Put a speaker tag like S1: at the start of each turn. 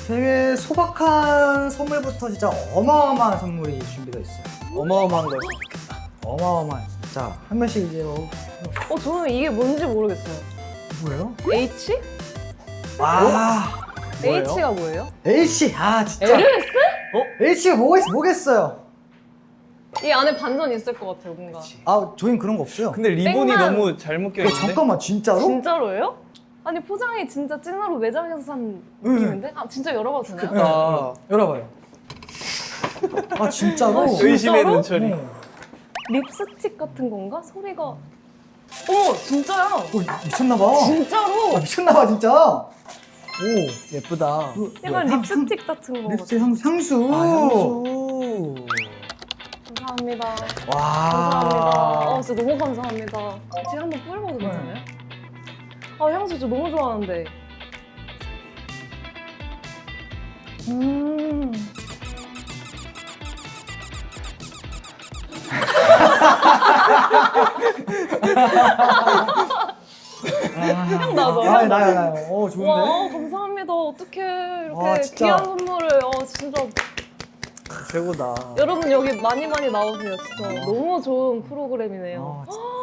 S1: 되게 소박한 선물부터 진짜 어마어마한 선물이 준비되어 있어요.
S2: 어마어마한 걸.
S1: 어마어마한 진짜 한 명씩 이제
S3: 저는 이게 뭔지 모르겠어요.
S1: 뭐예요?
S3: H?
S1: 아
S2: 뭐예요?
S3: H가 뭐예요?
S1: H 아 진짜
S3: 에르메스?
S1: H가 뭐겠어요?
S3: 이 안에 반전 있을 것 같아요, 뭔가.
S1: 아 저희는 그런 거 없어요.
S2: 근데 리본이
S3: 백만.
S2: 너무 잘 묶여
S1: 야,
S2: 있는데.
S1: 잠깐만 진짜로?
S3: 진짜로예요? 아니 포장이 진짜 찐으로 매장에서 산 느낌인데? 아 진짜 열어봐도 되나요?
S1: 네,
S2: 아.
S1: 열어봐요. 아 진짜로?
S3: 아, 진짜?
S2: 의심의
S3: 진짜로?
S2: 눈초리.
S3: 립스틱 같은 건가? 소리가 어머 진짜야!
S1: 미쳤나봐.
S3: 진짜로!
S1: 미쳤나봐 진짜. 오
S2: 예쁘다.
S3: 약간
S1: 뭐야,
S3: 립스틱 같은 거
S1: 립스틱 향수.
S2: 아, 향수.
S3: 감사합니다.
S1: 와.
S3: 감사합니다. 진짜 너무 감사합니다. 제가 한번 뿌려봐도 괜찮아요? 아 향수 저 너무 좋아하는데. 향 나죠?
S1: 아, 나요. 좋은데?
S3: 와 감사합니다. 어떻게 이렇게
S1: 와, 진짜.
S3: 귀한 선물을 진짜
S2: 최고다.
S3: 여러분 여기 많이 나오세요. 진짜 너무 좋은 프로그램이네요.
S1: 진짜.